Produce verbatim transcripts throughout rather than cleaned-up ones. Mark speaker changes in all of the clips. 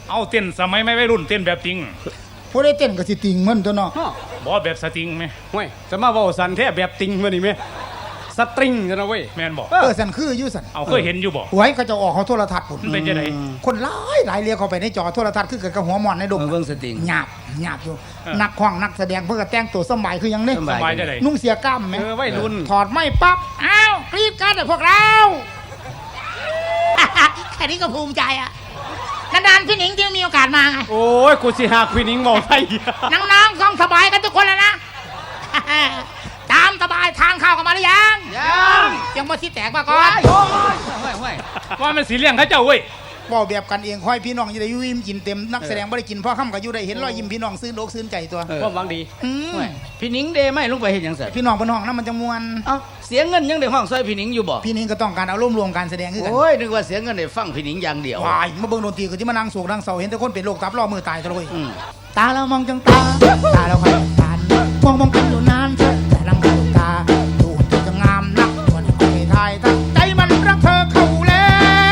Speaker 1: เอาเต้นสมัยไม่วัยรุ่นเต้นแบบติง
Speaker 2: ผู้ได้เต้นก็สิติงเหมือนตัวเนาะ
Speaker 1: บ่แบบสติงไหม
Speaker 3: ห่วยจะมาเว้าสันแท้แบบติงมื้อนี้แม่สตริงกันนะเว้ย
Speaker 1: แม่นบ่
Speaker 2: เออสันคืออยู่สัน
Speaker 1: เอาเคยเห็นอยู่บ่
Speaker 2: หวยก็จะออกเขาโทรทัศน์พุ่น
Speaker 1: เป็นจังได๋
Speaker 2: คนหลายหลายเรียกเข้าไปในจอโทรทัศน์คือกับหัวหมอนในดง
Speaker 3: เบิ่งสติง
Speaker 2: หยาบหยาบอยู่นักร้องนักแสดงเพิ่นก็แต่งตัวสมัยคือหยังนี่
Speaker 1: สมัยจังได๋
Speaker 2: นุ่งเสียกล้ามแม่
Speaker 3: เออวัยรุ่น
Speaker 2: ถอดไม้ปั๊บอ้าวกรี๊ดกันพวกเราแค่นี้ก็ภูมิใจอ่ะนานๆพี่หนิงที่มีโอกาสมาไง
Speaker 3: โอ้ยกูสิหาพี่หนิงเว้าไทย
Speaker 2: น้องๆต้องสบายกันทุกคนแล้วนะตามสบายทางเข้ากันมาหรือยังยังยังมาที่แตกมาก่อน
Speaker 1: ว่ามันสีเลี้ยงเขาเจ้าเว้ย
Speaker 2: บอกแบบกันเองค่อยพี่น้องจะได้ยุ่ยกินเต็มนักแสดงไม่ได้กินพ่อค่ำกับยุ่ได้เห็นรอยยิ้มพี่น้องซื้อโลกซื้อใจตัว
Speaker 3: ความหวังดีพี่หนิงเดไม่ลงไปเห็นยังไง
Speaker 2: พี่น้องบนห้องนั้นมันจะมวน
Speaker 3: เอ้าเสียเงินยังได้ห้องซอยพี่หนิงอยู่บ่
Speaker 2: พี่หนิงก็ต้องการเอาร่วมรวมการแสดงขึ้นกัน
Speaker 3: โอ้ยนึกว่าเสียเงินได้ฟังพี่หนิงอย่างเดียว
Speaker 2: วายมาเบิ่งดนตรีก็ที่มานั่งโศกนั่งเศร้าเห็นแต่คนเป็นโรคตับรอมือตายตะลุยตาเรามองจังตาตาเราคอยตามองมองกันอยู่นานแต่ลังตาดูเธอจะงามนักวันนี้ไม่ทายตั้งใจมันรักเธอเข้าแล้ว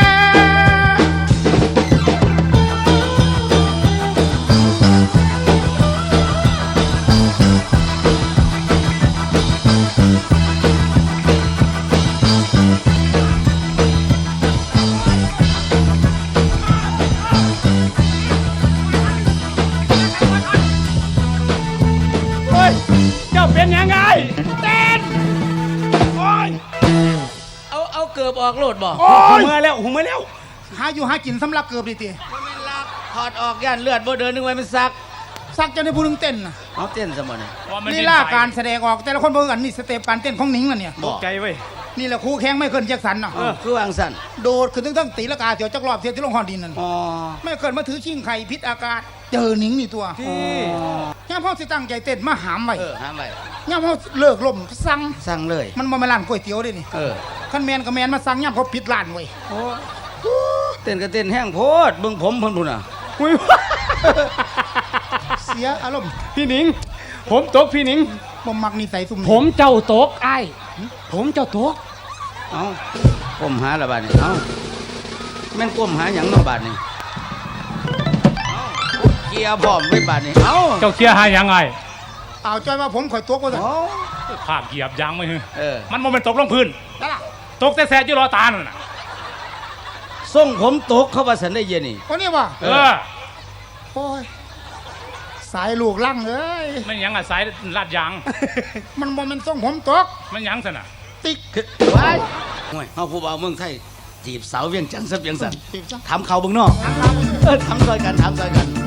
Speaker 1: เป็นยังไงเต้นโอ้ย
Speaker 3: เอาเอาเกือบออกโลดบ่
Speaker 1: หูเมื่อแล้วหูเมื่อแล้ว
Speaker 2: หาอยู่หากินสำลักเกือบดิตี
Speaker 3: มันเป็นลักถอดออกย่านเลือดบ่เดินนึกว่ามันซัก
Speaker 2: ซักจะในผู้นึงเต้นนะ
Speaker 3: เอาเต้นซะบ่นี่
Speaker 2: นี่ล่าการแสดงออกแต่ละคนบ่กันนี่สเต็ปการเต้นของหนิงน่ะเนี่ย
Speaker 1: ตกใจเว้ย
Speaker 2: นี่แหละครูแข้งไม่เคิลแจ็คสันน่ะ
Speaker 3: คือวางสั่น
Speaker 2: โดดขึ้นทั้งๆตีละกาเถียวจักรอบเถียวที่ลงฮอนดินนั่นอ๋อไม่เคิลมาถือชิงไข่พิษอากาศเจอหนิงนี่ตัวย่าพ่อสิตั้งใจเต้นมาหามไว้
Speaker 3: เออหามไว้
Speaker 2: ย่าพ่อเลิกล่มสั่ง
Speaker 3: สั่งเลย
Speaker 2: มันบ่มาร้านก๋วยเตี๋ยวเด้นี่
Speaker 3: เออ
Speaker 2: คันแมนก็แมนมาสั่งย่าเขาปิดร้านไว้โอ้
Speaker 3: เต้นก็เต้นแห้งโพดเบิ่งผมเพิ่นพุ่นน่ะ
Speaker 1: อุ้ย
Speaker 2: เสียอารมณ์
Speaker 1: พี่หนิงผมตกพี่หนิง
Speaker 2: บ่มักนิสัยซุ่ม
Speaker 1: ผมเจ้าตกอ้ายผมเจ้าตก
Speaker 3: เอ้าก้มหาละบาดนี่เอ้าแม่นก้มหาหยังเนาะบาดนี่เอ้าเกียร์พร้อมไว้บาดนี่เอ้า
Speaker 1: เจ้าเกียร์หาหยังไง
Speaker 2: เอาจ้อยมาผมข่อยตกว่าซั่น
Speaker 1: ภาพเหยียบยางไม่ฮึ
Speaker 3: เออ
Speaker 1: มันบ่แม่นตกลงพื้นนั่นล่ะตกแต่แสบอยู่รอตานั่นน่ะ
Speaker 3: ส่งผมตกเข้าว่าสันได้เย็นนี่
Speaker 2: โอ้นี่ว่ะ
Speaker 1: เออ
Speaker 2: โอ้ยสายลูกลั่งเอ้ย
Speaker 1: มันหยังอ่ะสายลาดยาง
Speaker 2: มันบ่แม่นส่งผมตก
Speaker 1: มันหยังซั่นน่ะ
Speaker 2: ติ๊ก
Speaker 3: ไว้โอ้ยเฮาผู้บ่าวเมืองไทยจีบสาวเวียงจันทร์ซะเวียงสันถามเขาเบิ่งเนาะเออถามซอยกันถามซอยกัน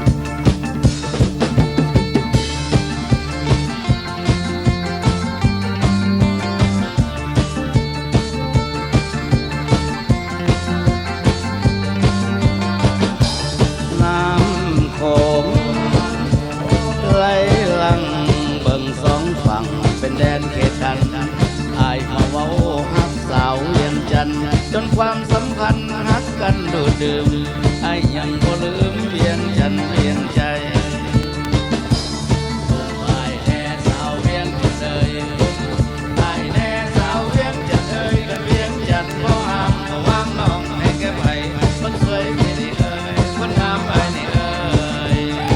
Speaker 3: น้ำโขงไหลหลังเบิ่งสองฝั่งเป็นแดนเขตกันอายเขาเว้าฮักสาวเวียงจันทร์จนความสัมพันธ์ฮักกันดูดดื่มอายยังบ่ลืมเวียงจันทร์เวียงใจอายแน่สาวเวียงจันทร์เอ่ยอายแน่สาวเวียงจันทร์เอ่ยกันเวียงจันทร์บ่ห้ามบ่วางน้องให้แก้ไขคนสวยไม่ได้เอ่ยคนงามไปนี่เอ่ย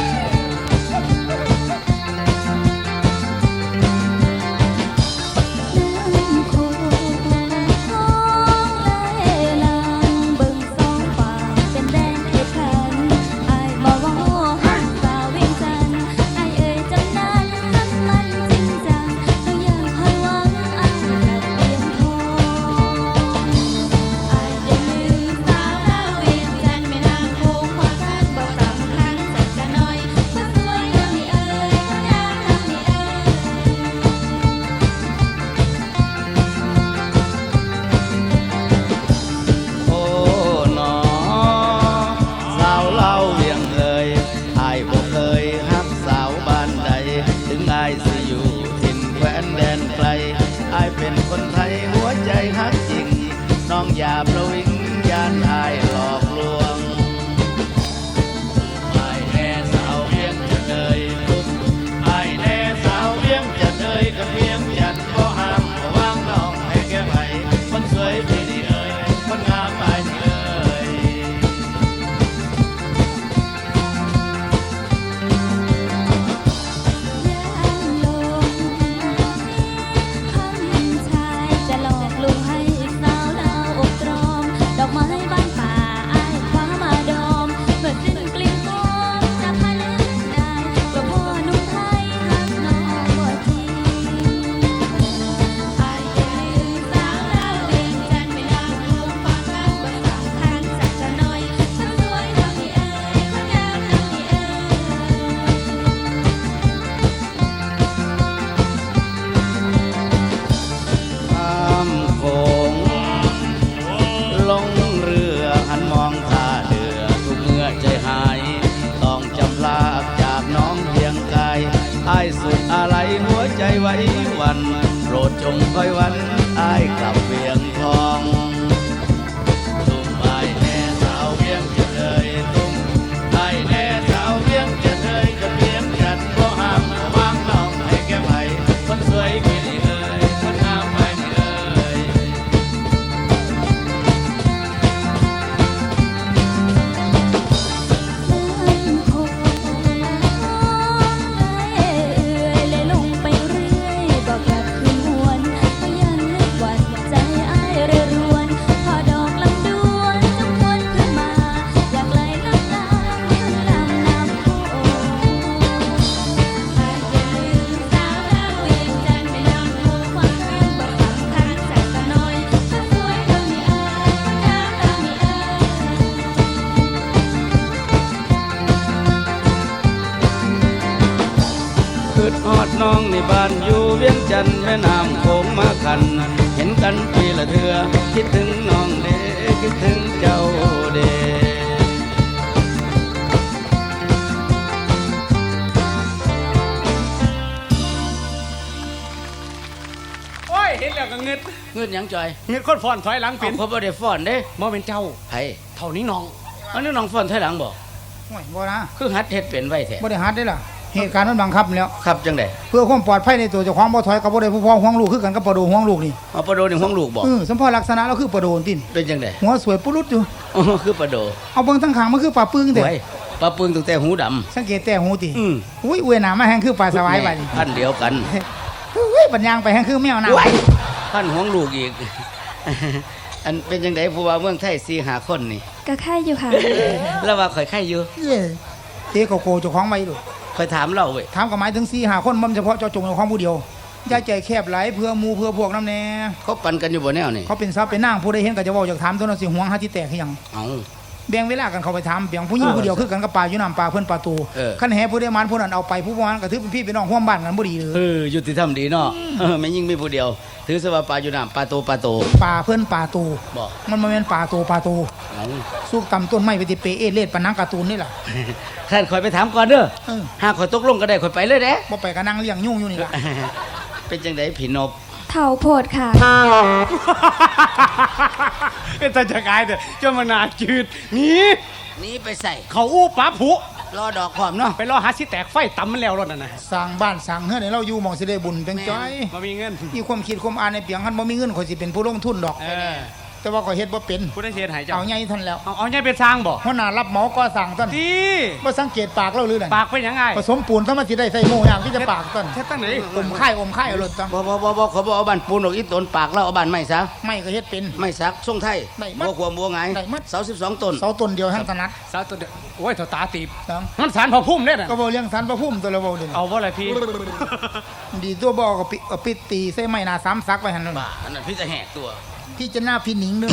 Speaker 3: เป็นคนไทยหัวใจฮักจริงน้องอย่าประวิงยานอายหลอกลวงอายแน่สาวเวียงจันทร์เอ่ยอายแน่สาวเวียงจันทร์เอ่ยกับเวียงจันทร์บ่ห้ามบ่วางน้องให้แก้ไขคนสวยที่นี่เอ่ยคนงามอายนี่เอ่ยจงคอยวันอายกลับเวียงทองตุ้มอายแน่สาวเวียงจะเลยตุ้มอายแน่สาวเวียงจะเลยจะเวียงจันทร์บ่ห้ามวางน้องให้แก้ไขคนสวยกี่ดีเอ่ยคนงามไปนี่เอ่ย คืดฮอดน้องในบ้านอยู่เวียงจันทน์แม่น้ำโขงมากัน เห็นกันปีละเทือคิดถึงน้องเด้คิดถึงเจ้าเด้
Speaker 1: โอ้ยเห็นแล้วก็เงึด
Speaker 3: เงินหยังจอย
Speaker 1: เงึดคนฟอนถอยหลัง
Speaker 3: เอา
Speaker 1: เป็น
Speaker 3: เขาบ่ได้ฟ้อนเด้
Speaker 1: บ่เป็นเจ้า
Speaker 3: ไผ
Speaker 1: เท่านี้น้อง
Speaker 3: อันนี้น้องฟ้อนถอยหลังบ่
Speaker 2: โอ้ยบ่นะ
Speaker 3: คือหัดเฮ็ดเป็นไว้แท้
Speaker 2: บ่ได้หัดได้ล่ะเหตุการณ์มันบังคับแล้ว
Speaker 3: ครับจังได๋
Speaker 2: เพื่อความปลอดภัยในตัวเจ้าของบ่ถอยกับบ่ได้ผู้พ้องห่วงลูกคือกันกับปลาโดห่วงลูกนี่
Speaker 3: เอาปลาโดนี่ห้องลูกบ่
Speaker 2: เออสมพอลักษณะเราคือปลาโดนติน
Speaker 3: เป็นจังได๋
Speaker 2: หัวสวยปุรุษอยู่
Speaker 3: อ๋อคือปลาโด
Speaker 2: เอาเบิ่งทั้งขางมันคือปลาปึ้งแต่
Speaker 3: ไว้ปลาปึงตั้งแต่หูดำ
Speaker 2: สังเกตแต่หูติ
Speaker 3: อืม
Speaker 2: อุ้ยอวยหน้ามาแห้งคือปลาสวายบัดนี้
Speaker 3: พันเดียวกัน
Speaker 2: อุ้ยปัญญางไปแห้งคือแมวน้ำ
Speaker 3: พันห้องลูกอีก อันเป็นจังไดผู้ว่าเมืองไทยสี่ห้าคนนี่
Speaker 4: ก็แค่อยู่ค่ะ
Speaker 3: แล้วว่าข่อยไข่อยู่
Speaker 2: เย้เตะโกโก้เจ้าของไว้ดู
Speaker 3: ข่อยถามเราเว้ย
Speaker 2: ถามกับหมายถึงสี่หาคนมันเฉพาะเจ้าจงเจ้าของผู้เดียวอย่าใจแคบไหลเพื่อหมูเพื่อพวกน้ำแน่
Speaker 3: เขาปันกันอยู่บ่แนวนี่
Speaker 2: เขาเป็นทรัพย์เป็นนางผู้ใดเห็นก็จะเว้าอยากถามตัวนั้นสิห่วงหาที่แตกคือหยัง
Speaker 3: เอา
Speaker 2: แบ่งเวลากันเข้าไปถามเพียงผู้หญิงผู้เดียวคือกันกับปลาอยู่น้ำปลาเพิ่นปลาตู
Speaker 3: เออ
Speaker 2: คันแห่ผู้ใดมันผู้นั้นเอาไปผู้บ่มันก็ถือเป็นพี่เป็นน้องร่วมบ้านกันบ่ดีเลย
Speaker 3: เออยุติธรรมดีเนาะเออแม่ยิ่งมีผู้เดียว ถือซะว่าปลาอยู่น้ำปลาโตปลาโต
Speaker 2: ปลาเพิ่นปลาตู
Speaker 3: บ่
Speaker 2: มันบ่แม่นปลาตูปลาตู
Speaker 3: เอา
Speaker 2: สู้ตำต้นไม้ไปติเปเอเล่ปานนังการ์ตูนนี่ล่ะ
Speaker 3: ท่านข่อยไปถามก่อนเด้อ
Speaker 2: เออ
Speaker 3: หากข่อยตกลงก็ได้ข่อยไปเลยเด้
Speaker 2: บ่ไปก็นั่งเลี้ยงยุ่งอยู่นี่ล่ะ
Speaker 3: เป็นจังไดผีนบ
Speaker 4: เถาโพดค่ะ
Speaker 1: เป็นตาจะกายเด้อเจ้ามานาจืดหนี่
Speaker 3: หนีไปใส่
Speaker 1: เขาอู้ปลาผุ
Speaker 3: รอดอกพร้อมเนาะ
Speaker 1: ไปรอหาสิแตกไฟตำมันแล้วรถนั่นน่ะ
Speaker 2: สร้างบ้านสร้างเฮือนให้เราอยู่หม่องสิได้บุญเป็นจ้อย
Speaker 1: บ่มีเงิน
Speaker 2: มีความคิดความอ่านในเปียงคันบ่มีเงินข่อยสิเป็นผู้ลงทุนดอก
Speaker 1: เออ
Speaker 2: แต่ว่าข่อยเฮ็ดบ่เป็น
Speaker 1: ผู้ได้เสียหายเจ้า
Speaker 2: เอาใหญ่ทันแล้ว
Speaker 1: เอาเอาใหญ่เป็นสร้างบ่
Speaker 2: หัวหน้ารับเหมาก่อสร้างต้น
Speaker 1: ดี
Speaker 2: บ่สังเกตปากเราหรือนั่น
Speaker 1: ปากเป็นยังไง
Speaker 2: ผสมปูนซะมันสิได้ใส่โม่อย่างที่จะปากต้น
Speaker 1: เฮ็ดตั้งไหน
Speaker 2: อมค่ายอมค่ายเอารถจัง
Speaker 3: บ่บ่บ่บ่ขอบ่เอาบ้านปูนออกอีตนปากเราเอาบ้านไม้ซะ
Speaker 2: ไม่ก็เฮ็ดเป็น
Speaker 3: ไม้สักทรงไทย
Speaker 2: ได้หมด
Speaker 3: บัวขวมบัวหงาย
Speaker 2: ได้หมด
Speaker 3: เสาสิบสองต้น
Speaker 2: เสาต้นเดียวทั้งถนัด
Speaker 1: สาวตัวเดียวโอ้ยเท่าตาตีบ
Speaker 2: จัง
Speaker 1: มันสารพอพุ่มเด้อน่ะ
Speaker 2: ก็บ่เลี้ยงสันพระพุ่มตัวละเว้าเด้
Speaker 1: เอาบ่ล่ะพี่
Speaker 2: ดีตัวบ่ก็ปิเอาปิดตีใส่ไม้หน้าสามซักไว้หั่นนั่น
Speaker 3: บ้าอันนั้นพี่จะแหกตัว
Speaker 2: พี่จะหน้าพี่หนิงเด้อ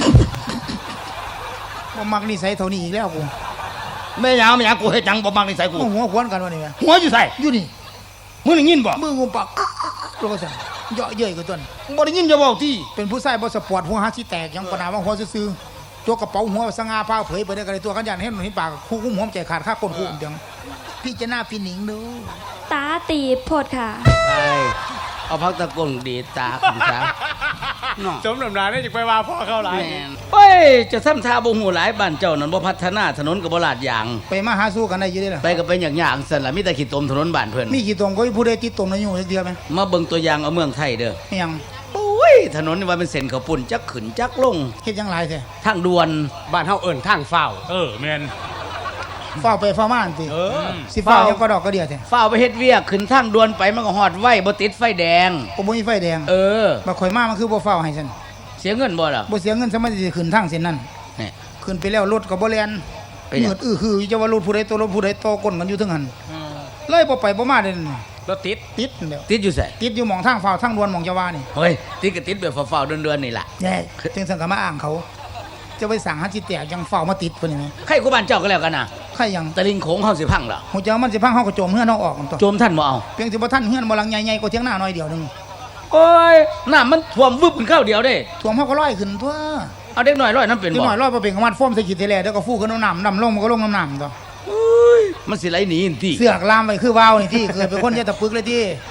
Speaker 2: บ่มักนิสัยเท่านี้อีกแล้วกู
Speaker 3: แม่ยาวแม่ยาวกูเฮ็ดหยังบ่มักนิสัยกู
Speaker 2: หัวควนกันวะนี่แม่
Speaker 3: หัวอยู่ใส่
Speaker 2: อยู่นี่
Speaker 3: มึงได้ยินบ่
Speaker 2: มืองูปากแล้วก็สั่นเยาะเย้ยกับต้น
Speaker 3: บ่ได้ยินจะเว้าที่
Speaker 2: เป็นผู้ชายบ่สปอร์ตหัวหาสิแตกยังปนาว่าหัวซื่อๆตัวกระเป๋าหัวสง่าผ้าเผยไปได้ก็เลยตัวกันยันเห็นเห็นปากคู่คุ้มหัวใจขาดค่าก้นคู่เดียงพี่จะหน้าพี่หนิงดู
Speaker 4: ตาตีบโพดค่ะ
Speaker 3: ไปเอาพักตะกงดีตาคุณจ้าเนาะ
Speaker 1: สมน้ำหน้าได้จักไปว่าพ่อเข้าหลาย
Speaker 3: แม่นเฮ้ยจะทำท่าบ่ฮู้หลายบ้านเจ้านั่นบ่พัฒนาถนนก็บ่ลาดยาง
Speaker 2: ไปมาหาสู้กันได้อยี่ได้ล่ะ
Speaker 3: ไปก็เป็นอย่างอย่างสั่นล่ะมีแต่ขี้ตมถนนบ้านเพิ่น
Speaker 2: มีกี่ตมก็มีผู้ใดติดตมในอยู่เดียวไหม
Speaker 3: มาเบิ่งตัวอย่างเอาเมืองไทยเด้อ
Speaker 2: ไม่ยัง
Speaker 3: โอ้ยถนนนี่ว่าเป็นเส้นข้าวปุ้นจักขึ้นจักลง
Speaker 2: เฮ็ดยังไรแท้
Speaker 3: ทางด่วน
Speaker 1: บ้านเฮาเอิ้นทางเฝ้าเออแม่น
Speaker 2: เฝ้าไปเฝ้ามาอันติ
Speaker 1: เออ
Speaker 2: สิเฝ้ายังก็ดอกก็เดียวแท้
Speaker 3: ฝ้าวไปเฮ็ดเวียกขึ้นทางด่วนไปมันก็ฮอดไว้บ่ติดไฟแดง
Speaker 2: ก็บ่มีไฟแดง
Speaker 3: เออ
Speaker 2: บ่ข่อยมามันคือบ่เฝ้าให้ฉัน
Speaker 3: เสียเงินบ่ล่ะ
Speaker 2: บ่เสียเงินสมัยสิขึ้นทางเส้นนั้น
Speaker 3: นี่
Speaker 2: ขึ้นไปแล้วรถก็บ่แล่น
Speaker 3: ไปหยัง
Speaker 2: เหนือดอื้อคือจะว่ารถผู้ใดตัวรถผู้ใดโตก้นกันอยู่ถึงหันเลยบ่ไปบ่มาเด้นั่น
Speaker 1: รถติด
Speaker 2: ติดนั่นแหล้ว
Speaker 3: ติดอยู่ไส
Speaker 2: ติดอยู่หม่องทางเฝ้าทางด่วนหม่องจะว่านี่
Speaker 3: เฮ้ยติดก็ติดแบบฝ้าวๆเดือนๆนี่ล่ะ
Speaker 2: แย่จึงสังก็มาอ้างเขา จะไปสั่งหาจิตแตกยังเฝ้ามาติดเพิ่นนี่แหม
Speaker 3: ใครกูบ้านเจ้าก็แล้วกันน่ะ
Speaker 2: ใครยัง
Speaker 3: ตะลิงโขงเฮาสิพังล่ะ
Speaker 2: หูเจ้ามันสิพังเฮาก็โจมเฮือนเฮาออกกันตัว
Speaker 3: โจมท่านบ่เอา
Speaker 2: เพียงสิบ่ทันเฮือนบ่หลังใหญ่ๆกว่าเถียงหน้าน้อยเดียวหนึง
Speaker 3: โอ้ยน้ำมันท่วมวึบขึ้นข้าวเดียวเด้
Speaker 2: ท่วมเฮาก็ลอยขึ้นทั่ว
Speaker 3: เอาเด็กน้อยร้อยน้ำเป็น
Speaker 2: นิด
Speaker 3: บ่
Speaker 2: หน่อยลอยบ่เป็นของมันฟ้อมใส่ขีดทีแลเดี๋ยวก็ฟูขึ้นน้ำน้ำลงมันก็ลงน้ำน้ำตัว
Speaker 3: โอ้ยมันสิไหลหนีอินติ
Speaker 2: เสือกลามไปคือว่าวนี่ที่เคยเป็นคนยะตะปึกเลยที่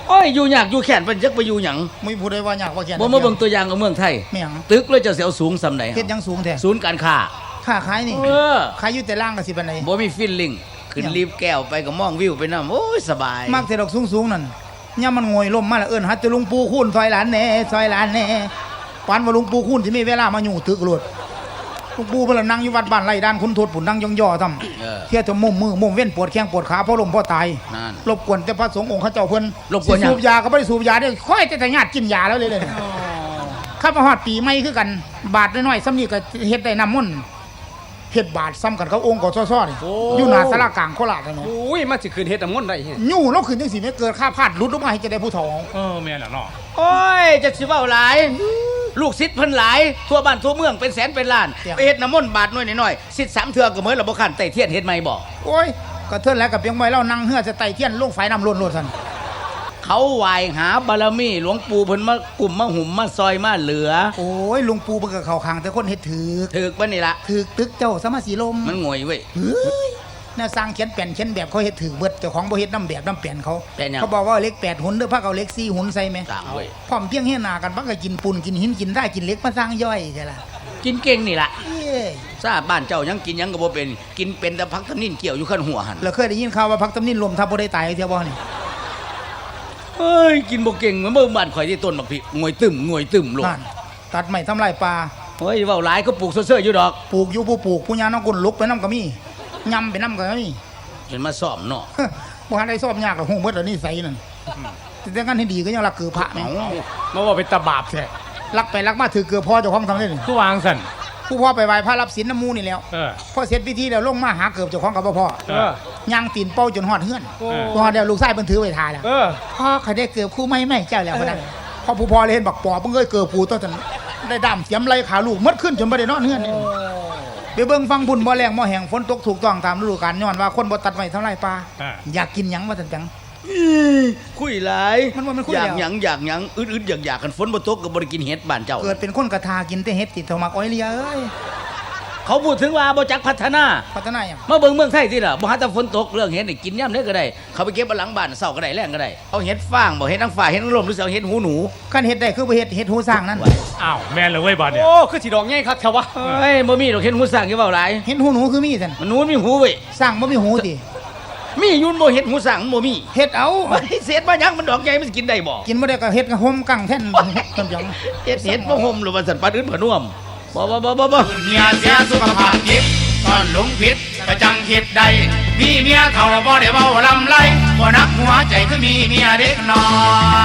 Speaker 3: โอ้ยอยู่ยากอยู่แค้นเพิ่นจักไปอยู่หยัง
Speaker 2: ไม่พูดได้ว่าอยากว่าแก่น
Speaker 3: บ่มาเบิ่งตัวอย่างของเมืองไทย
Speaker 2: ไม่หยัง
Speaker 3: ตึกแล้วจะเสียวสูงสำใด
Speaker 2: เฮ็ดหยังสูงแท้
Speaker 3: ศูนย์การค้า
Speaker 2: ค่าขายนี่
Speaker 3: เออ
Speaker 2: ขายอยู่แต่ล่างก็สิปานใด
Speaker 3: บ่มีฟิลลิ่งขึ้น
Speaker 2: หยัง
Speaker 3: รีบแก้วไปก็มองวิวไปนำโอ้ยสบาย
Speaker 2: มักแต่ดอกสูงๆนั่นย่ามมันงวยล่มมาแล้วเอิ้นฮัดจะลุงปู่คูณซอยหลานแหน่ซอยหลานแหน่ปานว่าลุงปู่คูณสิมีเวลามาอยู่ตึกโลดลุงปู่เพิ่นละนั่งอยู่วัดบ้านไร่ด้านคุณโทษปุ่นนั่งย่อๆทำ
Speaker 3: เออ
Speaker 2: เที่ยจะมุมมือมุมเว้นปวดแข้งปวดขาเพราะลมเพราะตาย
Speaker 3: นั่น
Speaker 2: รบกวนแต่พระสงฆ์องค์เขาเจ้าเพิ่น
Speaker 3: รบกวนหยัง
Speaker 2: สิสูบยาก็บ่ได้สูบยาได้ค่อยแต่แต่ญาติกินยาแล้วเลยเลยข้ามาฮอดปีใหม่คือกัน บาทน้อยๆซ้ำนี่ก็เฮ็ดได้น้ำมนต์เฮ็ดบาทซ้ำกันเขาองค์กซ้อๆนี่อยู่หน้าศาลากลางโคราชนั่นแหละ
Speaker 1: โอ้ยมาสิคืนเฮ็ดน้ำมนต์ได้เฮ้ย
Speaker 2: ยู่แล้วขึ้นจังสิไม่เกิดค่าพลาดหลุดออกมาให้จะได้ผู้ทอง
Speaker 1: เออแม่นแล้วเนาะ
Speaker 3: โอ้ยจะสิเว้าหลาย ลูกศิษย์เพิ่นหลาย ทั่วบ้านทั่วเมืองเป็นแสนเป็นล้าน ไปเฮ็ดน้ำมนต์บาทน้อยน้อยๆศิษย์สามเทื่อก็เหมือนระบ่คันไต่เทียนเฮ็ดใหม่บ่
Speaker 2: โอ้ยก็เทินแล้วกับเพียงไว้เล่านั่งเฮือจะไต่เทียนลงไฟน้ำล้นโลดซั่น
Speaker 3: เขาไหว้หาบารมีหลวงปู่เพิ่นมากลุ่มมาหุ่มมาซอยมาเหลือ
Speaker 2: โอ้ยลุงปู่เพิ่นก็เข้าข้างแต่คนเฮ็ดถือ
Speaker 3: ถึกบ่นี่ล่ะ
Speaker 2: ถือตึกเจ้าสมาสีลม
Speaker 3: มันงวยเว้ย
Speaker 2: เฮ้ยแนวสร้างเขียนแป่นเขียนแบบเขาเฮ็ดถือเบิดเจ้าของบ่เฮ็ดน้ำแบบน้ำแป่นเขา
Speaker 3: แป่นหยัง
Speaker 2: เขาบอกว่าเลขแปดหุ่นเด้อพักเอาเลขสี่หุ่นใส่ไหม
Speaker 3: ต่างเว้ย
Speaker 2: พร้อมเพียงเฮหนากันพักก็กินปูนกินหินกินได้กินเหล็กมาสร้างย่อยใช่ล่ะ
Speaker 3: กินเก่งนี่ล่ะ
Speaker 2: เอ้ย
Speaker 3: ทราบบ้านเจ้ายังกินหยังก็บ่เป็น กินเป็นแต่พักทำนินเกี่ยวอยู่ขั้นหัวหั่น
Speaker 2: เราเคยได้ยินข่าวว่าพักตำนินลมทับบ่ได้ตายเที่ยวบ่นี่
Speaker 3: เฮ้ยกินบ่เก่งเหมือนเบิ่งบ้านข่อยที่ต้นบักพริกงวยตึมงวยตึมโลด
Speaker 2: นั่นตัดไม้ทำลายป่า
Speaker 3: เฮ้ยเว้าหลายก็ปลูกเซ่อๆอยู่ดอก
Speaker 2: ปลูกอยู่ผู้ปลูกผู้ยาน้องกุนลุกไปน้ำก็มียำไปน้ำก็มี
Speaker 3: เห็นมาซ่อมเนาะ
Speaker 2: บ่ทันได้สอบยากหรอกฮู้เบิดแล้วนี่ใส่นั่นแต่งั้นให้ดีก็ยังรักเกือพระแม่
Speaker 3: เอ้า
Speaker 1: มาว่าเป็นตาบาปแท้
Speaker 2: รักไปรักมาถือเกือพ่อเจ้าของทำได้นี่
Speaker 1: คือวางสั่น
Speaker 2: ผู้พ่อไปไหว้พระรับศีลน้ำมูนี่แล้ว
Speaker 1: เออ
Speaker 2: พอเสร็จพิธีแล้วลงมาหาเกือบเจ้าของกับบ่พ่อ
Speaker 1: เอ
Speaker 2: ย่างตีนเป้าจนหอดเฮือน
Speaker 1: โอ้
Speaker 2: พอเดี๋ยวลูกชายเพิ่นถือไว้ทาแล้ว
Speaker 1: เออ
Speaker 2: พ่อเขาได้เกือบคู่ไม่ไม่เจ้าแล้วพะนะพอผู้พ่อเลยเห็นบักปอบเพิ่งเอ้ยเกือบผู้ต้นจนได้ดำเสียมไหลขาลูกมัดขึ้นจนบ่ได้นอนเฮือนนี่ไปเบิ่งฟังบุญบ่แรงบ่แห้งฝนตกถูกต้องตามฤดูกาลย้อนว่าคนบ่ตัดไม้ทำลายป่า
Speaker 1: อ่า
Speaker 2: อยากกินหยังว่าจังจัง
Speaker 3: คุยหลาย
Speaker 2: มันว่ามันคุย
Speaker 3: อยาก
Speaker 2: แล้ว
Speaker 3: หยังอยากหยังอึดๆอยากๆกันฝนบ่ตกก็บ่ได้กินเห็ดบ้านเจ้า
Speaker 2: เกิดเป็นคนกระทากินแต่เฮ็ดติดเท่ามักอ้อยเลียเอ้ย
Speaker 3: เขาพูดถึงว่าบ่จักพัฒนา
Speaker 2: พัฒนาหยัง
Speaker 3: มาเบิ่งเมืองไทยสิล่ะบ่หาแต่ฝนตกเรื่องเห็ดนี่กินย่ำได้ก็ได้ เขาไปเก็บเอาหลังบ้านเช้าก็ได้แรงก็ได้ เอาเห็ดฟางบ่เห็ดนางฟ้าเห็ดนางรมหรือสิเอาเห็ดหูหนู
Speaker 2: คันเฮ็ดได้คือบ่เฮ็ดเฮ็ดหูสร้างนั่น
Speaker 1: อ้าวแม่นเลยเว้ยบาดเนี่ย
Speaker 5: โอ้คือสีดอกใหญ่ครับแถววะ
Speaker 3: เฮ้ยบ่มีดอกเห็ดหูสร้างอยู่เว้าหลาย
Speaker 2: เฮ็ดหูหนูคือมีซั่น
Speaker 3: มันหนูมันมีหูเว้ย
Speaker 2: สร้างบ่มีหูติ
Speaker 3: มีอยุ่นบ่เห็ดหูสร้างมันบ่มี
Speaker 2: เฮ็ดเอา
Speaker 3: มันเศษมาหยังมันดอกใหญ่มันสิกินได้บ่
Speaker 2: กินบ่ได้ก็เฮ็ดกับห่มกังแท่นจังจัง
Speaker 3: เห็ดเห็ดบ่ห่มหรือว่าสันปานอื่นบ่น่วมบ่บ่บ่บ่บ่
Speaker 1: เมียเสียสุขภาพจิตตอนหลงผิดก็จังคิดได้มีเมียเท่าบ่ได้เว้าลำไรบ่นักหัวใจคือมีเมียเด็กน้อย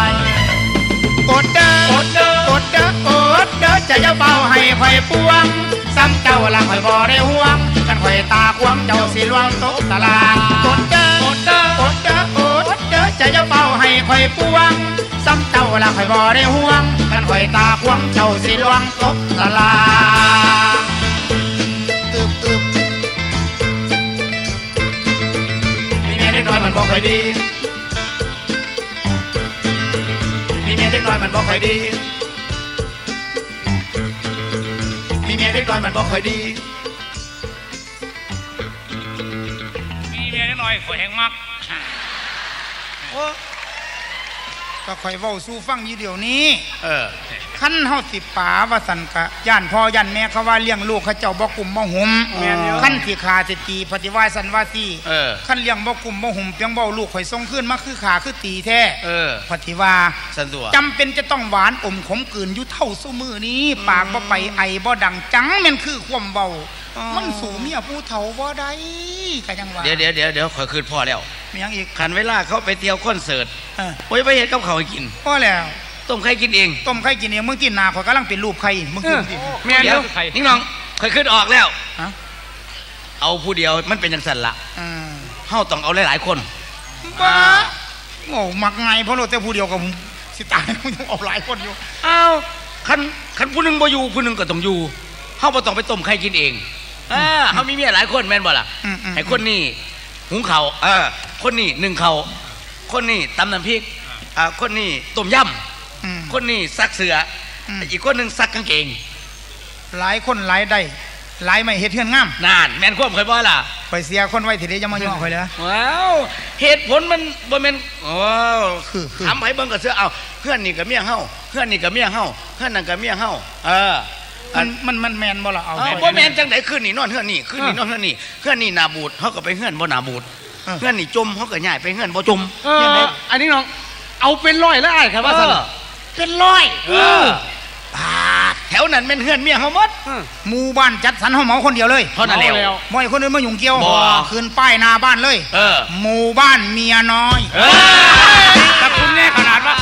Speaker 2: กดเด้อกดเด้อกดเด้อกดเด้อจะอย่าเบาให้ข่อยปวงซ้ำเจ้าละข่อยบ่ได้ห่วงกันข่อยตาควงเจ้าสิลวงตกตลาดกดเด้อกดเด้อกดเด้อกดเด้อจะอย่าเบาให้ข่อยปวงซ้ำเจ้าละข่อยบ่ได้ห่วงกันข่อยตาควงเจ้าสิลวงตกตลาดอึบอึบ
Speaker 1: มีเมียเด็กน้อยมันบ่ค่อยดีมีเมียเด็กน้อยมันบ่ค่อยดีมีเมียเด็กน้อยมันบ่ค่อยดีมีเมียเด็กน้อยข่อยแหงมัก
Speaker 2: ก็ข่อยเว้าสู่ฟังอยู่เดี๋ยวนี้
Speaker 1: เออ
Speaker 2: คันเฮาสิป๋าว่าสันกะย่านพ่อย่านแม่เขาว่าเลี้ยงลูกเขาเจ้าบ่กุมบ่หุม
Speaker 1: แม่นอยู่
Speaker 2: คันสิขาสิตีปฏิวัติสันว่าสิ
Speaker 1: เออ
Speaker 2: คันเลี้ยงบ่กุมบ่หุมเพียงเว้าลูกข่อยส่งคืนมาคือขาคือตีแท้
Speaker 1: เออ
Speaker 2: ปฏิว่า
Speaker 1: สันตัว
Speaker 2: จำเป็นจะต้องหวานอมขมกลืนอยู่เท่าซุมือนี้ ปากบ่ไปไอบ่ดังจังแม่นคือความเว้ามันสู่เมียผู้เฒ่าบ่ได้ก็ยังว่า
Speaker 3: เดี๋ยวเดี๋ยวเดี๋ยวเดี๋ยวข่อยคืนพ่อแล้ว
Speaker 2: มีหยังอีก
Speaker 3: คันเวลาเขาไปเที่ยวคอนเสิร์ต
Speaker 2: เออ
Speaker 3: โอ้ยไปเฮ็ดกับเขาวให้กิน
Speaker 2: พอแล้ว
Speaker 3: ต้มไข่กินเอง
Speaker 2: ต้มไข่กินเองมึงกินหน้าข่อยกำลังเป็นรูปไข่มึงกินสิ
Speaker 1: แม่น
Speaker 3: เดี๋
Speaker 1: เด้
Speaker 3: ยว
Speaker 1: อใคร
Speaker 3: นิ่งน้องข่อยขึ้นออกแล้ว
Speaker 2: ฮะ
Speaker 3: เอาผู้เดียวมันเป็นจังซั่นล่ะ
Speaker 2: อืม
Speaker 3: เฮาต้องเอาหลายๆคน
Speaker 2: บ้าโง่มักไงเพราะเราแต่ผู้เดียวกับผมสิตายมึงต้องเอาหลายคนอยู่
Speaker 3: อ้าวคันคันผู้หนึงบ่อยู่ผู้หนึงก็ต้องอยู่เฮาบ่ต้องไปต้มไข่กินเองอ่าเฮามีเมียหลายคนแม่นบ่ล่ะ
Speaker 2: อืมอืม
Speaker 3: ให้คนนี้หุงข้าวเออคนนี้นึ่งข้าวคนนี้ตำน้ำพริกอ่าคนนี้ต้มย
Speaker 2: อืม
Speaker 3: ำคนนี้ซักเสื้ออ
Speaker 2: ม
Speaker 3: อีกคนหนึงซักกางเกง
Speaker 2: หลายคนหลายได้หลายไม่เฮ็ดเฮือนงาม
Speaker 3: นานแม่นความเคยบ่ล่ะ
Speaker 2: ข่อยเสียคนไว้ทีเดียวจะมาย่อข่อยเลย
Speaker 3: ว้าวเหตุผลมันบ่แม่นว้าว
Speaker 2: คือคือ
Speaker 3: ถามให้เบิ่งก็เสือเอาเพื่อนนี่ก็เมียเฮาเพื่อนนี่ก็เมียเฮาเพื่อนนั่นก็เมียเฮาเออ
Speaker 2: มันมันมันแมนบ่ล่ะเอา
Speaker 3: เอาบ่แม่นจังได๋คืนนี่นอนเฮือนนี่คืนนี่นอนเฮือนนี่เฮือนนี่หน้าบูดเฮาก็ไปเฮือนบ่หน้าบูดเฮือนนี่จมเฮาก็ย้ายไปเฮือนบ่จม
Speaker 5: เอออันนี้น้องเอาเป็นร้อยแล้วอ้ายครับว่าซั่น
Speaker 2: เป็นร้อย
Speaker 3: เออแถวนั้นเป็นเฮือนเมียเฮาหมด
Speaker 2: หมู่บ้านจัดสรรเฮาเหมาคนเดียวเลย
Speaker 3: เท่านั้นแล้ว
Speaker 2: บ่ให้คนอื่นมายุ่งเกี่ยว
Speaker 3: บ่
Speaker 2: คืนป้ายหน้าบ้านเลย
Speaker 3: เออ
Speaker 2: หมู่บ้านเมียน้อย
Speaker 3: เออ
Speaker 1: แต่คุณแน่ขนาดว่า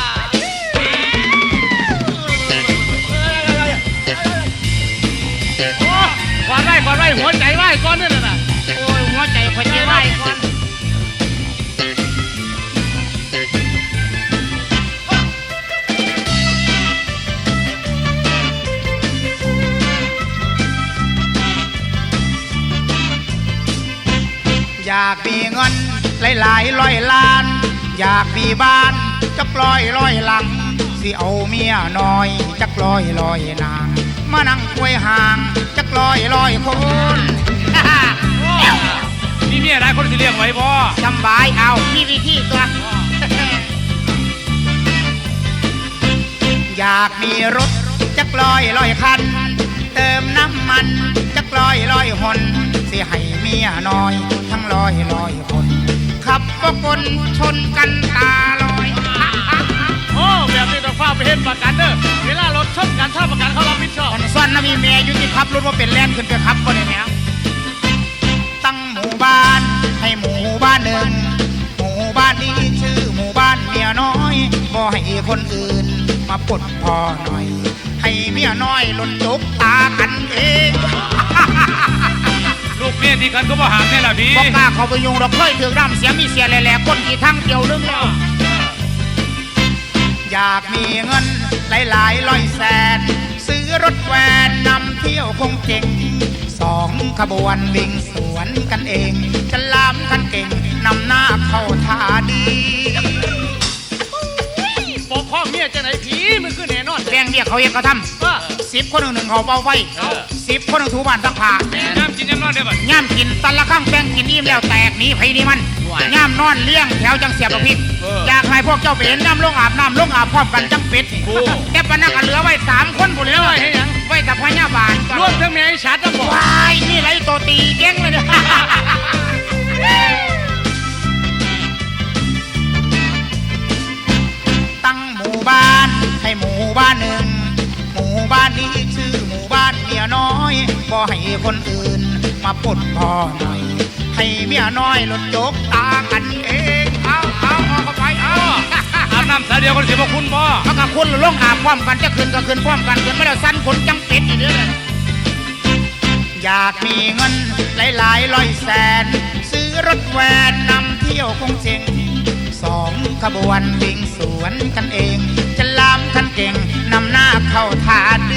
Speaker 5: ก่อนไว้ก่อนไว้หัวใจไว้ก่อนนั่นน่ะ
Speaker 2: โอ้ยหัวใจข่อยสิไว้ก่อนอยากมีเงินหลายๆร้อยล้าน อยากมีบ้านจักร้อยร้อยหลัง สิเอาเมียน้อยจักร้อยร้อยนางมานั่งควยห่างจักร้อยร้อยคน
Speaker 1: มีเมียหลายคนสิเลี้ยงไว้บ่
Speaker 2: จำบายเอามีวิธีตัว อยากมีรถจักร้อยร้อยคัน เติมน้ำมันจักร้อยร้อยหนสิให้เมียน้อย ทั้งร้อยร้อยคน ขับก็คนชนกันตาลอย
Speaker 5: โอ้แบบนี้ต้องฟ้าไปเฮ็ดประกันเด้อเวลารถชนกันถ้าประกันเขารับผิดชอบ
Speaker 2: อันส่วนนะมีเมียอยู่ที่ขับรถว่าเป็นแลนขึ้นไปขับคนนี้เนี่ยตั้งหมู่บ้านให้หมู่บ้านหนึ่งหมู่บ้านนี้ชื่อหมู่บ้านเมียน้อยบ่ให้คนอื่นมาปลดพอหน่อย ให้เมียน้อยหล่นจกตากันเอง
Speaker 1: ลูกเมียที่กันก็บ่หามแน่ล่ะพี่
Speaker 2: บอกกล้าเขาไปยุงเราเคยถือร่ำเสียมีเสียแหล่ๆคนกี่ทั้งเดียวนึงแล้วอยากมีเงินหลายๆร้อยแสน ซื้อรถแวนนำเที่ยวคงเจ๋งสองขบวนวิ่งสวนกันเองจะลามกันเก่งนำหน้าเข้าท่าดี
Speaker 5: ปกข้องเมียจังไหนผีมันคือแน่นอน
Speaker 2: แบ่งเรียกเขาเองเขาท
Speaker 5: ว่า
Speaker 2: ำสิบคนหนึ่งหนึ่งเขาเป่าไฟสิบคนหนึ่งถูบ้านซักผ้า
Speaker 1: น้ำกินน้ำนอนได้บ่
Speaker 2: ย่ำกินตันละข้างแป้งกินอิ่มแล้วแตกหนีไผนี่มันย่ำนอนเลี้ยงแถวจังเสียบกระพริบอยากให้พวกเจ้าไปเห็นน้ำลงอาบน้ำลงอาบพร้อมกันจังเป็ดแต่ปนักเหลือไว้สามคนบุญเลย
Speaker 5: ให้หยัง
Speaker 2: ไว้แต่พญาบาล
Speaker 5: รวมทั้งแม่ไอ้ชัดจะบอก
Speaker 2: วายนี่ไรตัวตีเก่งเลยเนี่ยตั้งหมู่บ้านให้หมู่บ้านหนึ่งหมู่บ้านนี้ชื่อหมู่บ้านเมียน้อยบ่ให้คนอื่นมาปลดพอหน่อย ให้เมียน้อยหลดจกตากันเองเอาเอาเอาเข้าไปเอา
Speaker 1: อาบน้ำสายเดียวคนสิบ่คุณบ่
Speaker 2: เขากับคุณลงอาบพร้อมกันจะคืนก็คืนพร้อมกันคืนไม่ได้สั้นคนจังเป็ดอีกเด้ออยากมีเงินหลายๆร้อยแสน ซื้อรถแวนนำเที่ยวคงเจ๋งสองขบวนวิ่งสวนกันเอง จะลามกันเก่งนำหน้าเข้าท่าดี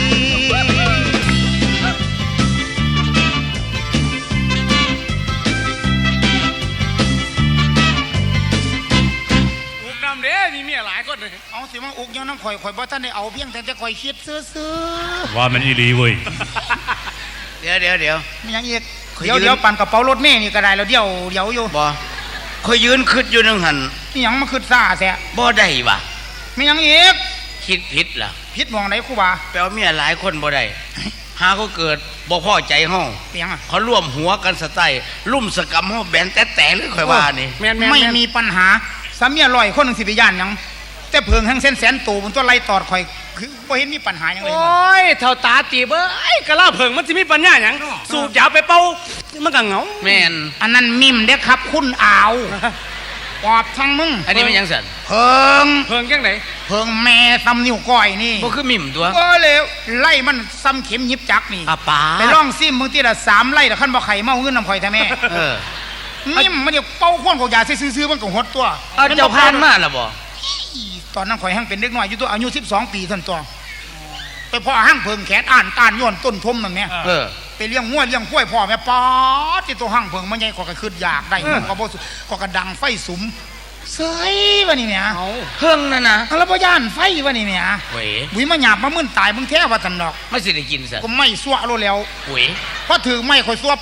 Speaker 5: อุกน้ำเด้มีเมียหลายคนเลย
Speaker 2: เอาสิมาอุกยังน้ำข่อยข่อยบ่ท่านได้เอาเพียงแต่จะข่อยคิดซื้อ
Speaker 1: ว่ามันอีหลีเว้ย
Speaker 3: เดี๋ยวเดี๋ยวเดี๋ยว
Speaker 2: ๆไม่ยังอีก
Speaker 3: ข่อย
Speaker 2: เดี๋ยว
Speaker 3: ยืน
Speaker 2: เดี๋ยวปั่นกระเป๋ารถเมล์นี่ก็ได้แล้วเดี๋ยวเดี๋ยวอยู่
Speaker 3: บ่คอยยืนคิดอยู่นึงหัน
Speaker 2: นี่ยังมาขึ้นซ่าแท้
Speaker 3: บ่ได้ว่ะ
Speaker 2: ไม่ยังอีก
Speaker 3: คิดผิดล่ะ
Speaker 2: พิษมองไหนครูบา
Speaker 3: แปลว่าเมียหลายคนบ่ได้หาเขาเกิดบ่พอใจเฮา
Speaker 2: เปียงอ่ะ
Speaker 3: เขาร่วมหัวกันสไตล์ลุ่มสกรรมเฮาแบนแต่แต่เลยข่อยว่านี่
Speaker 5: แม่นแม่น
Speaker 2: ไม่
Speaker 5: แม่น
Speaker 2: มีปัญหาสามีอร่อยคนหนึ่งสิไปย่านหยังแต่เพิงแห่งเส้นแสนตูมันตัวไล่ตอดข่อยคือบ่เห็นมีปัญหาหยังเลย
Speaker 5: โอ
Speaker 2: มัน้
Speaker 5: ยเท่าตาตีเบ้ยกะลาเผิงมันจะมีปัญญาหยังสูบยาไปเป่ามันก็เหงา
Speaker 3: แม่น
Speaker 2: อันนั้นมิมเด้อครับคุณอาวปอบทั้งมึง
Speaker 3: อันนี้มันหยังสั่น
Speaker 2: เพิง
Speaker 5: เผิงจังไหน
Speaker 2: เพิงแม่ซ้ำนิ้วก้อยนี่
Speaker 3: บ่คือมิ่มตัว
Speaker 2: เออเลยไล่มันซ้ำเข็มหยิบจักนี่
Speaker 3: อาปา
Speaker 2: ไปลองซิมมึงทีละสามไล่แต่ขั้นบ่ไข่เมาเงินน้ำข่อยแท้แม่
Speaker 3: เออ
Speaker 2: มิมมันเดี๋ยวเป้าข้นกอยาซื้อๆมันก็หดตัว
Speaker 3: เอาเจ้าพานมาล่ะบ่
Speaker 2: ตอนนั้นข่อยหั่งเป็นเด็กน้อยอยู่ตัวอายุสิบสองปีท่านตัวไปพ่อหั่งเพิงแขนอ่านตานย้อนต้นทมนั่นเนี่ย
Speaker 3: เออ
Speaker 2: ไปเลี้ยงงัวเลี้ยงกล้วยพ่อแม่ป๊อดที่ตัวหั่งเพิงมันใหญ่กว่าก็คืออยากได้มันก็บ่สุก็กระดังไฟสุมเสยว่านี่เนี่ย
Speaker 5: เอา
Speaker 3: เพิ่งนั่นนะ
Speaker 2: แล้วบ่ย่านไฟว่านี่เนี่ย
Speaker 3: เว้ย
Speaker 2: บุยมาหยาบมามึนตายมึงแท้ว่าซั่นดอก
Speaker 3: ไม่สิได้กินซะ
Speaker 2: ก็ไม่ซัวโลแล้ว
Speaker 3: เว้ย
Speaker 2: พอถือไม้ข่อยซัวปุ๊บ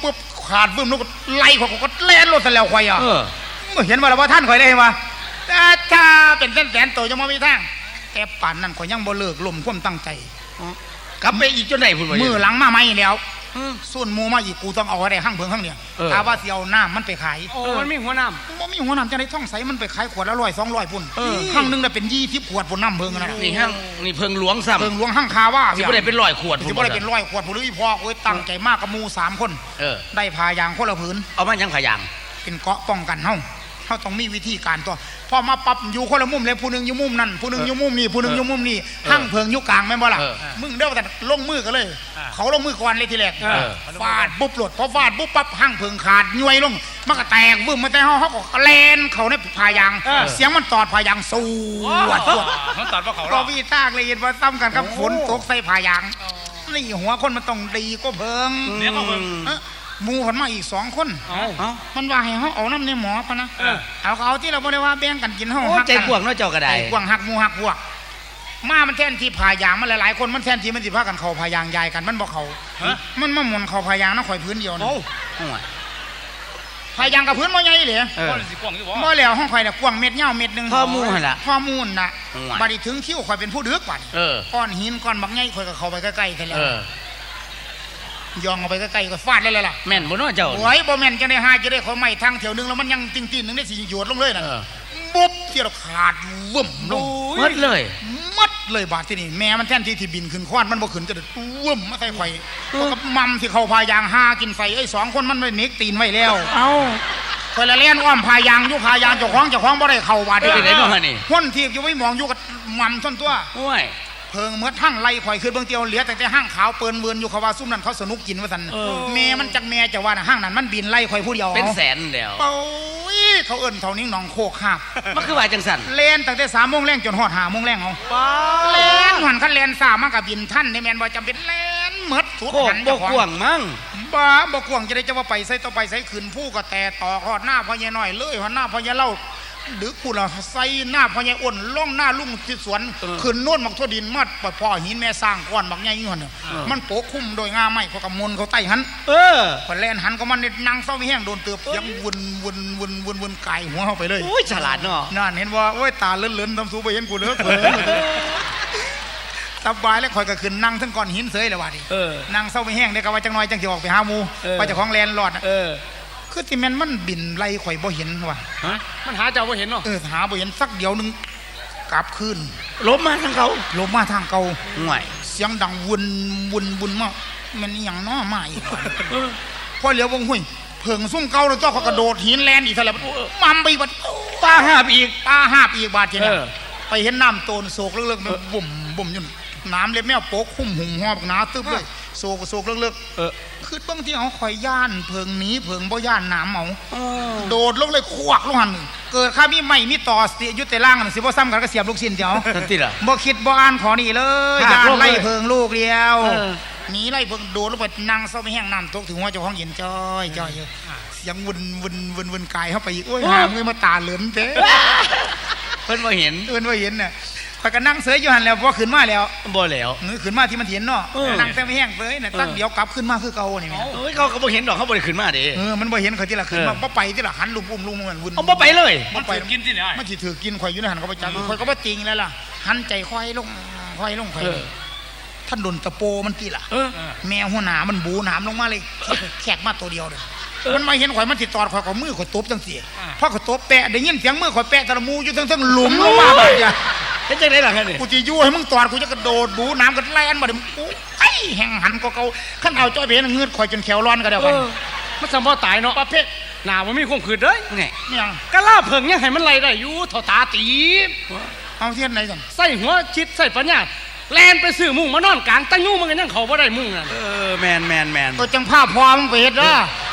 Speaker 2: ขาดวึ่มลูกไล่ข่อยก็แล่นรถซะแล้วข่อยอ่ะ
Speaker 3: เออ
Speaker 2: บ่เห็นว่าแล้วว่าท่านข่อยได้เห็นว่าแต่ถ้าเป็นแสนๆตัวยังบ่มีทางแต่ป่านนั้นข่อยยังบ่เลิกล้มความตั้งใจ
Speaker 3: กลับไปอีกจนไหนพุ่นวะ
Speaker 2: มือหลังมาใหม่แล้ว
Speaker 3: เออ
Speaker 2: ส่วนหมูมาอีกกูต้องเอาไว้ได้ห้างเพิงห้างเนี่ย
Speaker 3: เออ
Speaker 2: ถ้าว่าสิเอาน้ำมันไปขาย
Speaker 5: โอ้มันมีหัวน้
Speaker 2: บ่มีหัวน้ำจะได้ท่องใสมันไปขายขวดละร้อยสองร้อยพุ่น
Speaker 3: เออ
Speaker 2: ห้างหนึงได้เป็นยี่สิบขวดพุ่นน้ำเพิงนะ
Speaker 3: นี่ห้างนี่เพิงหลวงซ้ำ
Speaker 2: เพิงหลวงห้างคาว่า
Speaker 3: สิบ่ได้เป็นร้อยขวด
Speaker 2: สิบ่ได้เป็นร้อยขวดพุ่นหรืออีพอโอ้ยตั้งใจมากกับหมูสามคน
Speaker 3: เออ
Speaker 2: ได้พายางคนละผืน
Speaker 3: เอามายังขายาง
Speaker 2: เป็นเกราะป้องกันเฮาเฮาต้องมีวิธีการตัวพอมาปรับอยู่คนละมุมเลยผู้หนึงอยู่มุมนั่นผู้หนึงอยู่มุมนี่ผู้หนึงอยู่มุมนี่ห้างเพิงอยู่กลางแม่นบ่ล่ะ
Speaker 3: เออ
Speaker 2: มึงเด้อแต่ลงมือกันเลย เขาลงมือก่อนเลยทีแรก
Speaker 3: เออ
Speaker 2: ฟาดปุ๊บหลดพอฟาดปุ๊บปั๊บห้างเพิงขาดย้วยลงมันก็แตกวึ่มมาแต่เฮาเฮาก็แล่นเขาในพายาง เสียงมันตอดพายางสู้วดวด
Speaker 5: ำเขาตัดว่าเขา
Speaker 2: ก็
Speaker 5: รอ
Speaker 2: วีทางเลยเห็นว่าซ้ำกันกับฝนตกใส่พายางนี่หัวคนมันต้องดีก็เพิง
Speaker 5: เดี๋ยวเขาเบิ่ง
Speaker 2: เอ้อหมูผลมาอีกสองคน
Speaker 5: เอา
Speaker 3: เอ้า
Speaker 2: มันว่าให้เขาเอาน้ำในหมอปะนะ
Speaker 5: เออ
Speaker 2: เอาก็เอาที่เราบอกเลยว่าแบ่งกันกินเฮา
Speaker 3: โอ้
Speaker 2: หัก
Speaker 3: ใจ
Speaker 2: กัน
Speaker 3: กว้างเนาะเจ้าก็ได้
Speaker 2: ใจกว้างหักหมูหักพวกมามันแทนที่พายางมันหลายๆคนมันแทนที่มันสิพากันเข้าพายางยายกันมันบ่เข้า
Speaker 5: ฮะ
Speaker 2: มันมาหมุนเข้าพายางนะข่อยพื้นเดียวนะ
Speaker 5: โอ้
Speaker 3: โอ้ย
Speaker 2: พายางกับพื้นบ่ใหญ่เลย
Speaker 3: เออ
Speaker 5: ก้อนสิกว้างอยู่บ่
Speaker 2: บ่แล้วห้องข่อยน่ะกว้างเม็ดยาวเม็ดหนึง
Speaker 3: พ่อหมู่หั่นล่ะ
Speaker 2: พ่อมูลน่ะ
Speaker 3: โอ้ย
Speaker 2: บัดนี้ถึงคิวข่อยเป็นผู้ดึกบัดนี้
Speaker 3: เออ
Speaker 2: ก้อนหินก้อนบักใหญ่ข่อยก็เข้าไปใกล้ๆกันแล้
Speaker 3: เอ
Speaker 2: ว
Speaker 3: อย
Speaker 2: องเอาไปใกล้ๆก็ฟาดเลยเลยล่ะ
Speaker 3: แม่นบ่เนาะเจ้า
Speaker 2: โอ้ยบ่แม่นจะได้หาจะได้เขาไม่ทางแถวนึงแล้วมันยังติ่งๆนึงได้สิหยวดลงเลยน่ะ
Speaker 3: เออ
Speaker 2: บุ๊บเที่ยวขาดวึ่มลง
Speaker 3: หมดเลย
Speaker 2: มัดเลยบาดที่นี่แม่มันแท่นที่ที่บินขึ้นควานมันบ่ขึ้นจะเด็ดวึ่มมาใส่ไข่เพราะกับมัมที่เขาพายางหากินไฟไอ้สองคนมันไม่เน็กตีนไว้แล้ว
Speaker 3: เอ้า
Speaker 2: คนละเล่นอ้อมพายางอยู่พายางเจ้าของเจ้าของบ่ได้เข้าบาด
Speaker 3: เอ้ยไปไหนเนาะฮะนี่
Speaker 2: คนที่อยู่ไม่มองอยู่กับมัมท่อนตัว
Speaker 3: โอ้ย
Speaker 2: เพิงเมื่อทั้งไล่ข่อยขึ้นเบื้องเตียวเหลือแต่แต่ห้างขาวเปิ้นเวินอยู่เขาว่าซุ่มนั้นเขาสนุกกินว่าซั่น
Speaker 3: เออ
Speaker 2: แม่มันจักแม่จะว่าน่ะห้างนั้นมันบินไล่ข่อยผู้เดียว
Speaker 3: เป็นแสนแล้ว
Speaker 2: เป้ยเขาเอิ้นเท่านี้หนองโคกหาบ
Speaker 3: มันคือว่าจังสั่น
Speaker 2: เล่นตั้งแต่สามโมงแรงจนฮอดห้าโมงแรงเอาเล่นหันคันเล่นสามมันก็บินท่านได้แม่นบ่จำเป็นเล่นหมดสุด
Speaker 3: โคก
Speaker 2: หัน
Speaker 3: บ่
Speaker 2: เจ้าของ
Speaker 3: กว้างมั้ง
Speaker 2: บ้าบ่กวางจะได้จะว่าไปใส่ต่อไปใส่ขืนผู้ก็แต่ต่อฮอดหน้าพ่อใหญ่น้อยเลยฮอดหน้าพ่อใหญ่เล่าดึกกูล่ะใส่หน้าพ่อใหญ่อ้นล่องหน้าลุงที่สวนขึ้นโน่นมักทั่วดินมัดปพ่อหินแม่สร้างก้อนบักใหญ่อยู่หั่นน่ะมันโปกคุ้มโดยงาไม้เขาก็มนเขาใต้หัน
Speaker 3: เออ
Speaker 2: พอแล่นหันก็มันนั่งเศร้าไม่แห้งโดนเตือบยังวนวนวนวนวนไก่หัวเข้าไปเลย
Speaker 3: โอ้ยฉลาดเนาะ
Speaker 2: นั่นเห็นว่าโอ้ยตาเลื่อนๆทำสูไปเห็นกูเลิกเผลอสบายแล้วคอยก็ขึ้นนั่งทั้งก้อนหินเสยเลยว่ะดิ
Speaker 3: เออ
Speaker 2: นั่งเศร้าไม่แห้งได้ก็ว่าจังน้อยจังสิออกไปหาหมู
Speaker 3: เออ
Speaker 2: ไปเจ้าของแลนด์ลอดน่ะ
Speaker 3: เออ
Speaker 2: คือที่แม่นมันบินไล่ข่อยบ่เห็นว่ะ
Speaker 3: ฮะ
Speaker 5: มันหาเจ้าบ่เห็นเนาะ
Speaker 2: เออหาบ่เห็นสักเดียวหนึงกลับคืน
Speaker 3: ลบมาทางเขา
Speaker 2: ลงมาทางเก่า
Speaker 3: ห่วย
Speaker 2: เสียงดังวนวนวนมาแมันอหย่างน้อมาอีกว่ะพอเหลียววงหุ้ยเพิงซุ่มเก่าแล้วเจ้าเขากระโดดหินแลนอีกเท่าไหร่มัมไปบัด
Speaker 3: ตาหาบอีก
Speaker 2: ตาหาบอีกบาดเจ็บ
Speaker 3: เออ
Speaker 2: ไปเห็นน้ำโตนโศกเลิกๆมันบุ่มบุ่มอยู่น้ำเล็บแมวโป๊กคุ้มหุ่มหอบหนาตึบเลยโศกโศกเลิก
Speaker 3: เออ
Speaker 2: ๆคือบางที่เขาคอยย่านเพิงหนี้เพิงบ่ย่านน้ำเอาโดดลงเลยควักลงหันเกิดข้ามีไม่มีต่อเสียยุติล่างนั่นสิบ่ซ้ำกันก็เสียบลูกชิ้นเดียว
Speaker 3: ทันทีล่ะ
Speaker 2: บ่คิดบ่อ่านขอนี่เลย
Speaker 3: หัก
Speaker 2: ย่าน
Speaker 3: ลงเลย
Speaker 2: ไล่เพิงลูกเดียว
Speaker 3: เออ
Speaker 2: หนีไล่เพิงโดดลงไปนั่งเศร้าไม่แห้งน้ำตกถึงหัวเจ้าของเย็นจ้อยจ้อยอยู่เสียงวนวนวนวนกายเข้าไปอีกโอ้ยหามเลยมาตาเหลือนเต้
Speaker 3: เพิ่นบ่เห็น
Speaker 2: เอิ้นว่าเห็นน่ะข่อยก็นั่งเสยอยู่หันแล้วพอขึ้นมาแล้ว
Speaker 3: บ่แล้ว
Speaker 2: มือขึ้นมาที่มันเห็นเนาะ
Speaker 3: เออ
Speaker 2: นั่งเสยไม่แห้งเสยน่ะตั้งเดี๋ยวกลับขึ้นมาคือเก่านี่แม่
Speaker 3: โอ้ยเขาก็บ่เห็นดอกเขาบ่ได้ขึ้นมาดิ
Speaker 2: เออมันบ่เห็นเขาที่ละขึ้นมา
Speaker 3: เออ
Speaker 2: บ่ไปที่ละหันลุมอุ้มลุมมันวุ่น
Speaker 3: เอาบ่ไปเลย
Speaker 5: มันไปกินที่ไหน
Speaker 2: มันสิถือกินข่อยอยู่ในหันเขาไปจับข่อยก็บ่จริงแล้วล่ะหันใจค่อยลงค่อยลงค่อย
Speaker 3: เออ
Speaker 2: ท่านโดนตะโปมันกี่ล่ะ
Speaker 3: เออ
Speaker 2: แมวหัวหน้ามันบูหนามลงมาเลยแขกมาตัวเดียวเด้อมันมาเห็นข่อยมันสิตอดข่อยก็มือข่อยตบจังซี่พอข่อยตบแปะได้ยินเสียงมือข่อยแปะตะมูอยู่ทั้งๆหลุมลงมาบาดเนี่ย
Speaker 3: เป็นจังได๋ล่ะฮะนี่
Speaker 2: กูจะยู่ให้มึงตอดกูจะกระโดดบูน้ำกันแล่นมาเดี๋ยวกูไอ้แห่งหันก็เกาขั้นเอาจ้อยไปเห็นเงือดข่อยจนแขวร้อนก็เดี๋ยว
Speaker 5: เอ
Speaker 2: กัน
Speaker 5: อมันสำบ่ตายเนาะประเภทหน้าบ่มีความขืดเด้ย
Speaker 3: ไง
Speaker 2: เนี่ย
Speaker 5: กะลาเพิ่งยังให้มันไล่ได้อยู่เท่าตาตีบ
Speaker 2: เอาเทียนไหนกัน
Speaker 5: ใส่หัวชิดใส่ปัญญาแลนไปซื้อมุ้งมานอนกลางตะยูมันก็ยังเข้าบ่ได้มุ้งนั่น
Speaker 3: เออแมนแมนแมน
Speaker 2: ตัวจังภาพพอมึงไปเห็ดเด้อ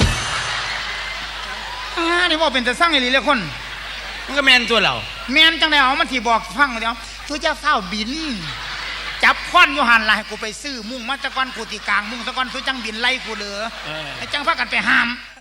Speaker 2: อ่านี่ว่าเป็นแต่สร้างไอ้ลีเลยคน
Speaker 3: มันก็แมนตัวเรา
Speaker 2: แมนจังไดเอามันที่บอกฟังเดี๋ยวตัวเจ้าเฝ้าบิน จับควันอยู่หันล่ะให้กูไปซื้อมุ่งมาตะกอนกูตีกลางมุ่งตะกอนตัวจังบินไล่กูเหลือไอ้จังพากันไปห้าม